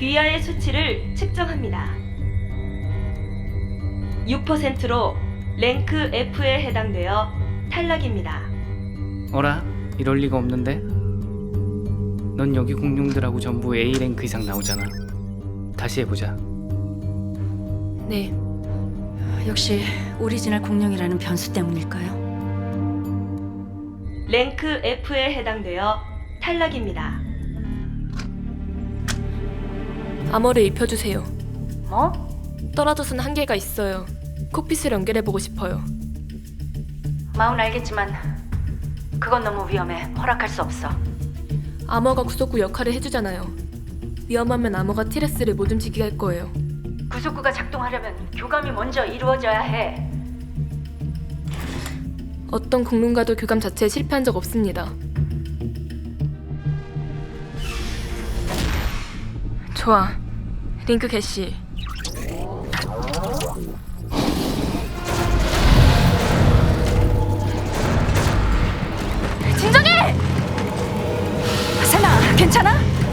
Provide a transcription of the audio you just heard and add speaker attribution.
Speaker 1: 위아의 수치를 측정합니다. 6%로 랭크 F에 해당되어 탈락입니다.
Speaker 2: 어라? 이럴 리가 없는데? 넌 여기 공룡들하고 전부 A랭크 이상 나오잖아. 다시 해보자.
Speaker 3: 네. 역시 오리지널 공룡이라는 변수 때문일까요?
Speaker 1: 랭크 F에 해당되어 탈락입니다.
Speaker 4: 암호를 입혀주세요.
Speaker 3: 뭐?
Speaker 4: 떨어져선 한계가 있어요. 콕핏을 연결해보고 싶어요.
Speaker 3: 마음은 알겠지만 그건 너무 위험해. 허락할 수 없어.
Speaker 4: 암호가 구속구 역할을 해주잖아요. 위험하면 암호가 티레스를 못 움직이게 할 거예요.
Speaker 3: 구속구가 작동하려면 교감이 먼저 이루어져야 해.
Speaker 4: 어떤 공룡과도 교감 자체에 실패한 적 없습니다. 좋아. 링크 개시.
Speaker 3: 진정해! 설마 괜찮아?